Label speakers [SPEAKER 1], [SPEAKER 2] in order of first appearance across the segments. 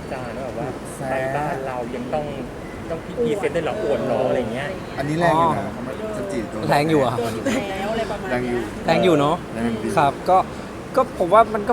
[SPEAKER 1] จารณ์ว่าแบบว่าไปบ้านเรายังต้องพรีเซนต์ได้หรออวดหรออะไรเงี้ย
[SPEAKER 2] อันนี้แรงอยู่นะจันจิโดน
[SPEAKER 3] แรงอยู่อะ
[SPEAKER 4] โดนอีกแล้วอะไรประมาณ
[SPEAKER 2] แรงอยู่
[SPEAKER 3] แรงอยู่เนาะ
[SPEAKER 2] แรงดี
[SPEAKER 3] ครับก็ผมว่ามันก็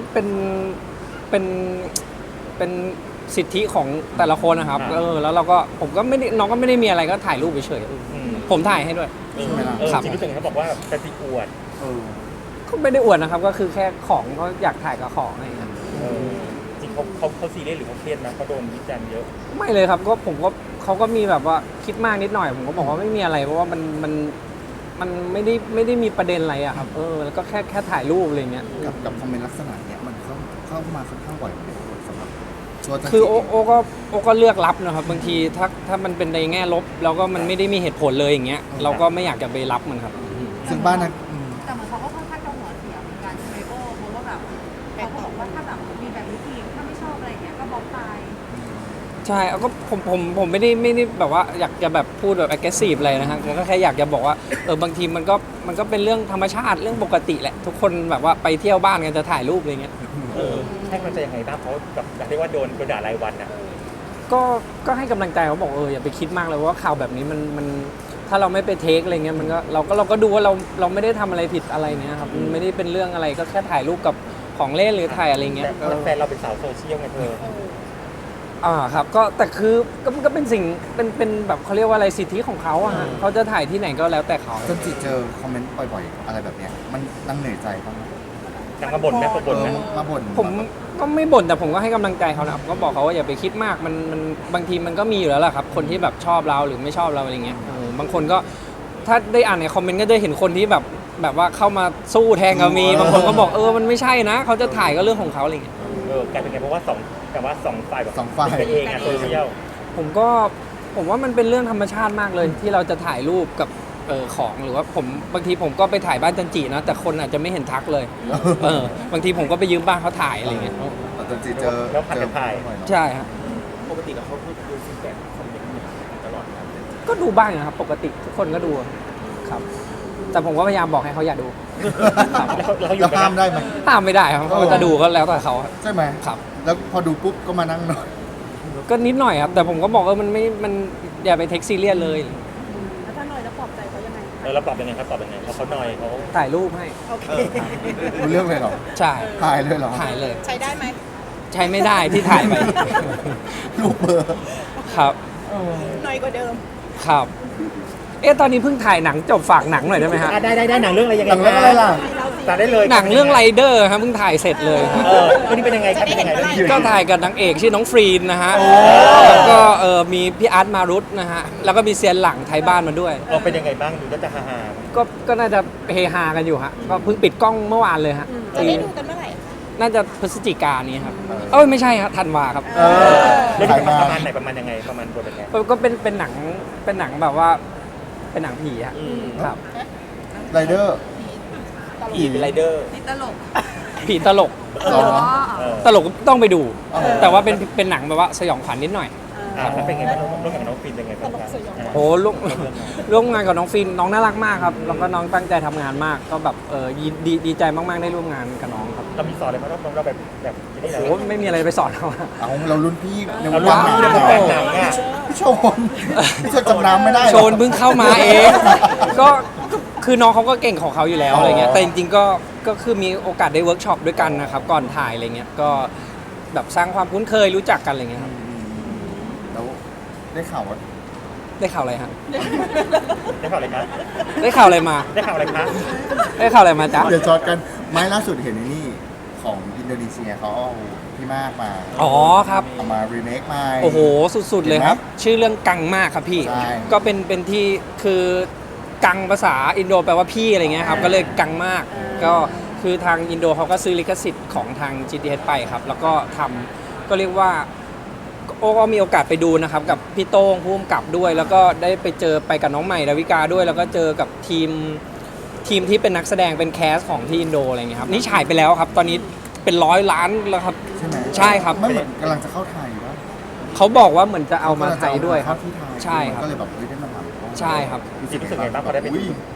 [SPEAKER 3] เป็นสิทธิของแต่ละคนนะครับแล้วเราก็ผมก็ไม่ได้น้องก็ไม่ได้มีอะไรก็ถ่ายรูปเฉยๆผมถ่ายให้ด้วย
[SPEAKER 2] ใช่ไหมล่ะ
[SPEAKER 1] จริงรู้สึกเขาบอกว่าจะติอวด
[SPEAKER 2] เออ
[SPEAKER 3] ก็ไม่ได้อวดนะครับก็คือแค่ของก็อยากถ่ายกับของอะไรอย่างเงี้ย
[SPEAKER 1] จริงเขาซีเรียสหรือเขาเครียดนะเขาโดนวิจารณ์เยอะ
[SPEAKER 3] ไม่เลยครับก็ผมก็เขาก็มีแบบว่าคิดมากนิดหน่อยผมก็บอกว่าไม่มีอะไรเพราะว่ามันไม่ได้มีประเด็นอะไรอะครับแล้วก็แค่ถ่ายรูปอะไรเงี้ย
[SPEAKER 2] กับคอมเมนต์ลักษณะเนี้ยมันเข้ามาค่อนข้างบ่อยไหมสำหรับตัวจันจิ
[SPEAKER 3] คือโอก็เลือกรับนะครับบางทีถ้ามันเป็นในแง่ลบแล้วก็มันไม่ได้มีเหตุผลเลยอย่างเงี้ยเราก็ไม่อยากจะไปรับมันครับ
[SPEAKER 2] ซึ่งบ้านนั้น
[SPEAKER 4] แต่เหมือนเขาก็ค่อนข้างจะหัวเสียเหมือนกันใช่ไหมโอ้เพราะว่าแบบเขาก็บอกว่าถ้าแบบมีแบบนี้ทีถ้าไม่ชอบอะไรเงี้ยก็บล็อกไป
[SPEAKER 3] ใช่ก็ผมไม่ได้แบบว่าอยากจะแบบพูดแบบ aggressive อะไรนะฮะก็แค่อยากจะบอกว่าบางทีมันก็เป็นเรื่องธรรมชาติเรื่องปกติแหละทุกคนแบบว่าไปเที่ยวบ้านกันจะถ่ายรูปอะไรเงี้ย
[SPEAKER 1] ให้กำลังใจยังไงบ้างเพราะแบบอยากได้ว่าโดนด่ารายวันอ่ะ
[SPEAKER 3] ก็ให้กำลังใจเขาบอกอย่าไปคิดมากเลยว่าข่าวแบบนี้มันถ้าเราไม่ไปเทคอะไรเงี้ยมันก็เราก็ดูว่าเราไม่ได้ทำอะไรผิดอะไรเนี้ยครับมันไม่ได้เป็นเรื่องอะไรก็แค่ถ่ายรูปกับของเล่นหรือถ่ายอะไรเงี้ย
[SPEAKER 1] แต่แฟนเราเป็นสาวโซเชียลไงเธอ
[SPEAKER 3] ครับก็แต่คือก็เป็นสิ่งเป็นแบบเขาเรียกว่าอะไรสิทธิของเขาอะฮะเขาจะถ่ายที่ไหนก็แล้วแต่เขา
[SPEAKER 2] จันจิเจอคอมเมนต์บ่อยๆอะไรแบบเนี้ยมันนั่งเหนื่อยใจบ้างไหม
[SPEAKER 1] จังมาบ่นไหมมาบ่นไหม
[SPEAKER 2] มาบ่น
[SPEAKER 3] ผมก็ไม่บ่นแต่ผมก็ให้กำลังใจเขานะครับก็บอกเขาว่าอย่าไปคิดมากมันบางทีมันก็มีอยู่แล้วแหละครับคนที่แบบชอบเราหรือไม่ชอบเราอะไรเงี้ยบางคนก็ถ้าได้อ่านในคอมเมนต์ก็จะเห็นคนที่แบบว่าเข้ามาสู้แทงก็มีบางคนก็บอกมันไม่ใช่นะเขาจะถ่ายก็เรื่องของเขาอะไรเงี้ย
[SPEAKER 1] กลายเป็นไงเพราะว่าสองฝ่ายแบบ
[SPEAKER 2] สองฝ่าย
[SPEAKER 1] เป็นเองอะโซเชียล
[SPEAKER 3] ผมว่ามันเป็นเรื่องธรรมชาติมากเลยที่เราจะถ่ายรูปกับของหรือว่าบางทีผมก็ไปถ่ายบ้านจันจีนะแต่คนอาจจะไม่เห็นทักเลยบางทีผมก็ไปยืมบ้านเขาถ่ายอะไรเงี้ย
[SPEAKER 2] จันจิเจอ
[SPEAKER 1] แล้วผัดกันถ่าย
[SPEAKER 2] บ่อเนอะ
[SPEAKER 3] ใช่ครับ
[SPEAKER 1] ปกติแล้วเขาดูฟีดแบ็กคอมเมนต์ตลอดนะ
[SPEAKER 3] ก็ดูบ้างนะครับปกติทุกคนก็ดูครับ แต่ผมก็พยายามบอกให้เขาอย่าดู
[SPEAKER 1] แล้วเขาอยู่
[SPEAKER 2] แล้ว
[SPEAKER 1] กัน
[SPEAKER 2] ห้ามได้ไหม
[SPEAKER 3] ห้ามไม่ได้ครับเขาจะดูก็แล้วแต่เขา
[SPEAKER 2] ใช่ไหม
[SPEAKER 3] ครับ
[SPEAKER 2] แล้วพอดูปุ๊บก็มานั่งหน่อย
[SPEAKER 3] ก็นิดหน่อยครับแต่ผมก็บอกมันอย่าไปเทคซีเรียสเลย
[SPEAKER 4] แล้วถ้าหน่อยจะปลอบใจเขายังไง
[SPEAKER 1] เราตอบยังไงครับตอบยังไงเพราะเขาหน่อยเขา
[SPEAKER 3] ถ่ายรูปให้
[SPEAKER 4] โอเค
[SPEAKER 2] รู้เรื่องเลยเหรอ
[SPEAKER 3] ใช่
[SPEAKER 2] ถ่ายเลยเหรอ
[SPEAKER 3] ถ่ายเลย
[SPEAKER 4] ใช้ได้ไหม
[SPEAKER 3] ใช้ไม่ได้ที่ถ่ายไป
[SPEAKER 2] รูปเบอร์
[SPEAKER 3] ครับ
[SPEAKER 4] หน่อยกว่าเดิม
[SPEAKER 3] ครับตอนนี้เพิ่งถ่ายหนังจบฝากหนังหน่อยได้ไหมฮะ
[SPEAKER 1] ได้หนังเรื่องอะไรยัง
[SPEAKER 2] ห
[SPEAKER 1] ไง
[SPEAKER 2] ลังเรื่องอะไรล่ะ
[SPEAKER 1] ตาได้เลย
[SPEAKER 3] หนังเรื่องไรเดอร์ครับเพิ่งถ่ายเสร็จเลยครับ
[SPEAKER 1] ก็นี่เป็นยังไงครับเป็นยังไงเรื่องนี้
[SPEAKER 3] ก็ถ่ายกับนางเอกชื่อน้องฟรีนนะฮะแล้วก็มีพี่อาร์ตมารุตนะฮะแล้วก็มีเซียนหลังไทยบ้านมาด้วย
[SPEAKER 1] เป็นยังไงบ้างดูก็จะฮา
[SPEAKER 3] ก็น่าจะเฮฮากันอยู่ฮะก็เพิ่งปิดกล้องเมื่อวานเลยฮะ
[SPEAKER 4] จะได้ดูกันเมื่อไหร่คะ
[SPEAKER 3] น่าจะพฤศจิกายนนี้ครับไม่ใช่ครับธันวาครับ
[SPEAKER 1] เรื่องนี้ประมาณไหนประมาณยังไงประมาณบทเป็นไง
[SPEAKER 3] ก็เป็นหนังแบบว่าเป็นหนังผีฮะครับ
[SPEAKER 2] ไรเดอร์
[SPEAKER 1] ผีเป็นไรเดอร์
[SPEAKER 4] นี่ตลก
[SPEAKER 3] ผีตลก
[SPEAKER 2] อ๋อ
[SPEAKER 3] ตลกต้องไปดู
[SPEAKER 2] อ๋อ
[SPEAKER 3] แต่ว่าเป็นหนังแบบว่าสยองขวัญนิดหน่อย
[SPEAKER 1] แล้วเป็นไงบ้างร่วมกับน้องฟินเป็นไงบ้างครับ
[SPEAKER 3] โอ้ร่วมงานกับน้องฟินน้องน่ารักมากครับแล้วก็น้องตั้งใจทำงานมากก็แบบดีใจมากๆได้ร่วมงานกับน้องครับ
[SPEAKER 1] เรามีสอนอะไรไหมเราแบบนี่แหละ
[SPEAKER 3] โอ้ไม่มีอะไรไปสอนเขาอะ
[SPEAKER 2] เอาเรารุ่นพี่ใน
[SPEAKER 1] เรา
[SPEAKER 2] วง
[SPEAKER 1] ลุ้น
[SPEAKER 2] การ
[SPEAKER 1] ในวงการหนังอ่ะ
[SPEAKER 2] พี่โชนพี่โชนจำน้ำไม่ได้หรอ
[SPEAKER 3] โชนเพิ่งเข้ามาเอง ก็คือน้องเขาก็เก่งของเขาอยู่แล้วอะไรเงี้ยแต่จริงๆก็คือมีโอกาสได้เวิร์กช็อปด้วยกันนะครับก่อนถ่ายอะไรเงี้ยก็แบบสร้างความคุ้นเคยรู้จักกันอะไรเงี้ยครับ
[SPEAKER 2] แล้วได้ข่าวว่า
[SPEAKER 3] ได้ข่าวอะไรฮะ
[SPEAKER 1] ได้ข่าวอะไรครับ
[SPEAKER 3] ได้ข่าวอะไรมา
[SPEAKER 1] ได้ข่าวอะไรครับ
[SPEAKER 3] ได้ข่าวอะไรมาจ๊ะ
[SPEAKER 2] เดี๋ยวจอดกันไม้ล่าสุดเห็นไอ้นี่ของอินโดนีเซียเขาเอาพี่มากมา
[SPEAKER 3] อ๋อครับ
[SPEAKER 2] เอามารีเมคใหม่
[SPEAKER 3] โอ้โหสุดๆเลยครับ ชื่อเรื่องกังมากครับพี่
[SPEAKER 2] ใช่
[SPEAKER 3] ก็เป็นที่คือกังภาษาอินโดแปลว่าพี่อะไรเงี้ยครับก็เลยกังมากก็คือทางอินโดเขาก็ซื้อลิขสิทธิ์ของทาง GTH ไปครับแล้วก็ทำก็เรียกว่าโอ้ก็มีโอกาสไปดูนะครับกับพี่โต้งผู้กำกับด้วย แล้วก็ได้ไปเจอไปกับน้องใหม่ดาวิกาด้วย แล้วก็เจอกับทีมที่เป็นนักแสดงเป็นแคสของที่อินโดอะไรเงี้ยครับนี่ฉายไปแล้วครับตอนนี้เป็น100 ล้านแล้วครับ
[SPEAKER 2] ใช่ไหม
[SPEAKER 3] ใช่ครับ
[SPEAKER 2] ไม่เหมือนกำลังจะเข้าไทยว่า
[SPEAKER 3] เขาบอกว่าเหมือนจะเอามาไทยด้วยครับ
[SPEAKER 2] ที่ไทย
[SPEAKER 3] ใช่ครับ
[SPEAKER 2] ก็เลยแบบได้มาทำ
[SPEAKER 3] ใช่ครับ
[SPEAKER 1] รู้สึกไงบ้างพอได้ไปดูที่นู่น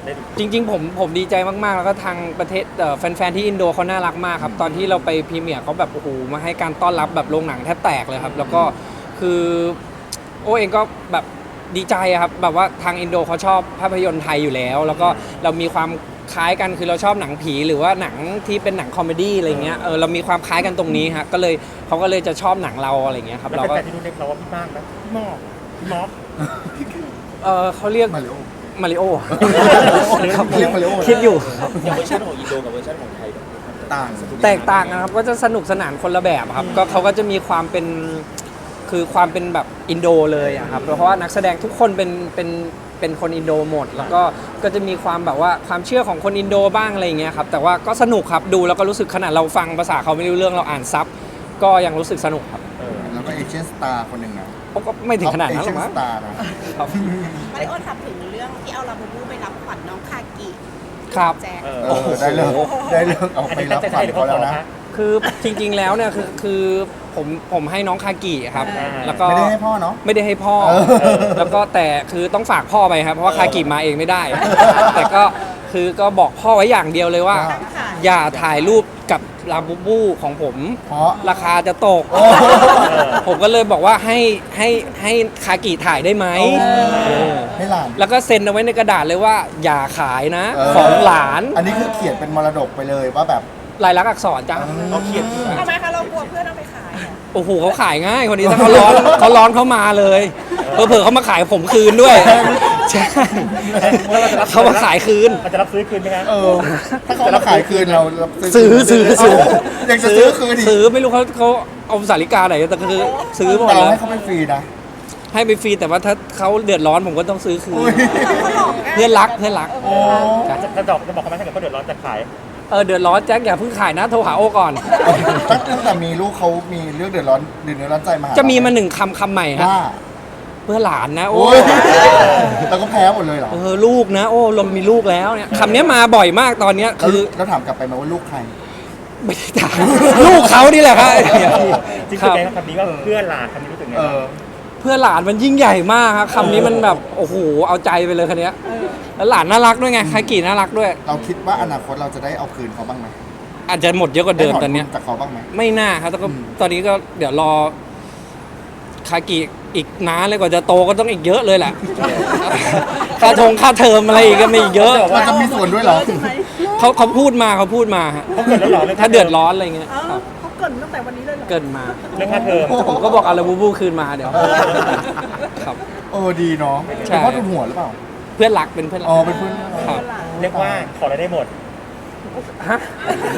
[SPEAKER 1] ได้
[SPEAKER 3] จริงๆผมดีใจมากๆ แล้วก็ทางประเทศแฟนๆที่อินโดเขาน่ารักมากครับตอนที่เราไปพรีเมียร์เขาแบบโอ้โหมาให้การต้อนรับแบบโรงหนังแทบแตกเลยครับแล้วก็คือโอเองก็แบบดีใจอะครับแบบว่าทางอินโดเขาชอบภาพยนตร์ไทยอยู่แล้ว แล้วก็เรามีความคล้ายกันคือเราชอบหนังผีหรือว่าหนังที่เป็นหนังคอมเมดี้อะไรเงี้ยเรามีความคล้ายกันตรงนี้ฮะก็เลยเขาก็เลยจะชอบหนังเราอะไรเงี้ยครับ
[SPEAKER 1] แล้ว
[SPEAKER 3] เราก็
[SPEAKER 1] แฟนๆที่นู่นเรียกเราว่าพี่มากไหมพี่มอกพี่มอก
[SPEAKER 3] เขาเรียก
[SPEAKER 2] มาริโอ
[SPEAKER 3] มาริโอ ครับ
[SPEAKER 2] เรียกมาริโอ
[SPEAKER 3] คิดอยู่ครับ
[SPEAKER 5] อย่างเวอร์ชันของอินโดกับเวอร์ชันของไทย
[SPEAKER 2] ต่าง
[SPEAKER 3] แตกต่างกันครับก็จะสนุกสนานคนละแบบครับก็เขาก็จะมีความเป็นคือความเป็นแบบอินโดเลยอะครับเพราะว่านักแสดงทุกคนเป็นคนอินโดหมด แล้วก็จะมีความแบบว่าความเชื่อของคนอินโดบ้างอะไรอย่างเงี้ยครับแต่ว่าก็สนุกครับดูแล้วก็รู้สึกขนาดเราฟังภาษาเขาไม่รู้เรื่องเราอ่านซับก็ยังรู้สึกสนุกครับ
[SPEAKER 2] แล้วก็เอเชียนสตาร์คนหนึ่งนะ
[SPEAKER 3] ก็ไม่ถึงขนาดนั้นหรอก
[SPEAKER 2] เอ
[SPEAKER 3] มั้
[SPEAKER 2] เชีย
[SPEAKER 3] ง
[SPEAKER 2] นสตาร์นะ
[SPEAKER 3] ครับ
[SPEAKER 6] มาริโอถามถึงเรื่องที่เอาลาบูบูไปรับขวัญน้องคากิ
[SPEAKER 3] ครับ
[SPEAKER 6] แจ็ค
[SPEAKER 2] ได้เลิกเอา
[SPEAKER 1] อัน
[SPEAKER 2] ไป
[SPEAKER 1] นี้
[SPEAKER 2] รั
[SPEAKER 1] ตั้
[SPEAKER 2] บ
[SPEAKER 1] งใจ
[SPEAKER 2] ขวั
[SPEAKER 1] ใช่
[SPEAKER 2] ญ
[SPEAKER 1] หรือ
[SPEAKER 2] เขา
[SPEAKER 1] เขาข
[SPEAKER 2] แล้
[SPEAKER 1] อ
[SPEAKER 2] วนะ
[SPEAKER 1] คะ
[SPEAKER 3] คือจริงๆแล้วเนี่ยคือผมให้น้องคากิครับ
[SPEAKER 1] อ่า
[SPEAKER 3] แล้วก็
[SPEAKER 2] ไม่ได้ให้พ่อเนาะ
[SPEAKER 3] ไม่ได้ให้พ่อ แล้วก็แต่คือต้องฝากพ่อไปครับเพราะว่าคากิมาเองไม่ได้ แต่ก็คือก็บอกพ่อไว้อย่างเดียวเลยว่า อย่าถ่ายรูปกับลาบูบูของผม
[SPEAKER 2] เพราะ
[SPEAKER 3] ราคาจะตก ผมก็เลยบอกว่าให้คากิถ่ายได้ไหมเออ
[SPEAKER 2] ให้หลาน
[SPEAKER 3] แล้วก็เซ็นเอาไว้ในกระดาษเลยว่าอย่าขายนะ
[SPEAKER 2] เออ
[SPEAKER 3] ของหลาน
[SPEAKER 2] อันนี้คือเขียนเป็นมรดกไปเลยว่าแบบ
[SPEAKER 3] ลายลักษณ์อักษรจ้ะ
[SPEAKER 1] เขาเขียน
[SPEAKER 6] ทำไมคะเรากลัวเพื่อนเอาไปขายอะ
[SPEAKER 3] โอ้โหเขาขายง่ายคนนี้ถ้าเขาร้อน เขาร้อนเขามาเลยเผลอๆเขามาขายผมคืนด้วยใช่เขามาขายคืน
[SPEAKER 1] เขาจะรับซื้อคืนไหมครับ
[SPEAKER 2] ถ้าเขามาขายคืนเรา
[SPEAKER 3] ซื้อ
[SPEAKER 2] อยากจะซื้อคืนอีก
[SPEAKER 3] ซื้อไม่รู้เขาเอาสาริกาไหนแต่คือซื้อหมด
[SPEAKER 2] แต่เรา
[SPEAKER 3] แล้ว
[SPEAKER 2] ให้เขาเป็นฟรีนะ
[SPEAKER 3] ให้ไปฟรีแต่ว่าถ้าเขาเดือดร้อนผมก็ต้องซื้อคืน
[SPEAKER 6] เขาหลอกง่าย
[SPEAKER 3] เพื่อนรักเพื่อนรัก
[SPEAKER 2] โอ้
[SPEAKER 1] จะบอกเขาไหมถ้าเกิดเขาเดือดร้อนจะขาย
[SPEAKER 3] เดือดร้อนแจ็คอย่าเพิ่งขายนะโทรหาโอก่อน
[SPEAKER 2] ตั้งแต่มีลูกเขามีเรื่องเดือดร้อนใจมาหา
[SPEAKER 3] จะมีมาหนึ่งคำใหม่ฮะ
[SPEAKER 2] ว่า
[SPEAKER 3] เพื่อหลานนะโอ้
[SPEAKER 2] โอ้ยเราก็แพ้หมดเลยเหรอ
[SPEAKER 3] ลูกนะโอ้เรามีลูกแล้วเนี่ยคำนี้มาบ่อยมากตอนเนี้ยคือ
[SPEAKER 2] แล้วถามกลับไปไหมว่าลูกใคร
[SPEAKER 3] ไม่ได้ถาม ลูกเขานี่แหละครับ
[SPEAKER 1] จริง
[SPEAKER 3] ค
[SPEAKER 1] ๆ
[SPEAKER 3] รับ
[SPEAKER 1] ไงคำนี้ว่าเพื่อนหลานคำนี้รู้สึกไง
[SPEAKER 2] เออ
[SPEAKER 3] เพื่อหลานมันยิ่งใหญ่มากครับคำนี้มันแบบโอ้โหเอาใจไปเลยคันนี้ยแล้วหลานน่ารักด้วยไงคากิน่ารักด้วย
[SPEAKER 2] เราคิดว่าอนาคตเราจะได้เอาคืนเขาบ้างไหม
[SPEAKER 3] อาจจะหมดเยอะกว่าเดิมตอนเนี้ย
[SPEAKER 2] ได้ถทุจากเขาบ้างไหม
[SPEAKER 3] ไม่น่าครับแต่ก็
[SPEAKER 2] อืม
[SPEAKER 3] ตอนนี้ก็เดี๋ยวรอคากิอีกนานเลยกว่าจะโตก็ต้องอีกเยอะเลยแหละ ค่าเทอมอะไรอีกก็มีอีกเยอะ
[SPEAKER 2] เราจะมีส่วนด้วยเหรอ
[SPEAKER 3] เขาพูดมาฮะ
[SPEAKER 1] เขาเกิดแล้วหรอเรื่อง
[SPEAKER 3] ถ้าเดือดร้อนอะไรเงี้ย
[SPEAKER 4] เอ้า
[SPEAKER 3] ครับ
[SPEAKER 4] เขาเกรินตั้งแต่วันนี้เลยเหรอ
[SPEAKER 3] เกินมา
[SPEAKER 1] เรื่องค่าเทอม
[SPEAKER 3] ผมก็บอกเอาลาบูบูคืนมาเดี๋ยวครับ
[SPEAKER 2] ดีเนาะ
[SPEAKER 3] ใช่
[SPEAKER 2] เป็นพ่อทุนหัวหรือเปล่า
[SPEAKER 3] เพื่อนรักเป็นเพื่อนรั
[SPEAKER 2] อ๋อเป็นเพื่อน
[SPEAKER 3] ครับ
[SPEAKER 1] เรียกว่าขออะไรได้หมด
[SPEAKER 3] ฮะ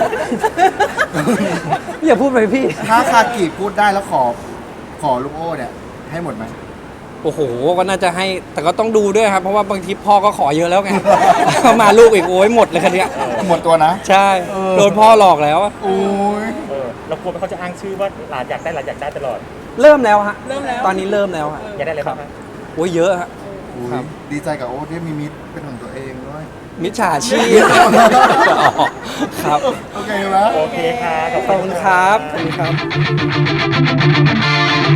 [SPEAKER 3] อย่าพูดไปพี่
[SPEAKER 2] ถ้าคากิพูดได้แล้วขอลูกโอ้เนี่ยให้หมดไหม
[SPEAKER 3] โอ้โห ก็น่าจะให้ แต่ก็ต้องดูด้วยครับ เพราะว่าบางทีพ่อก็ขอเยอะแล้วไง มาลูกอีกโอ้ยหมดเลยคันเนี้ย
[SPEAKER 2] หมดตัวนะ
[SPEAKER 3] ใช่ โดนพ่อหลอกแล้วอะ
[SPEAKER 2] โอ้ย
[SPEAKER 1] เรากลัวว่าเขาจะอ้างชื่อว่าหลานอยากได้ตลอด
[SPEAKER 3] เริ่มแล้วฮะ ตอนนี้เริ่มแล้วฮะ
[SPEAKER 1] อยากได้อะไรบ้างคะ
[SPEAKER 3] โอ้ยเยอะฮะ
[SPEAKER 2] อุ๊ย
[SPEAKER 3] ครับ
[SPEAKER 2] ดีใจกับโอ๊ตที่มีมิตรเป็นของตัวเองด้วย
[SPEAKER 3] มิจฉาชีพ ครับ
[SPEAKER 2] โอเคไหม
[SPEAKER 1] โอเคค่ะ
[SPEAKER 3] ขอบคุณครับ ขอบคุณครับ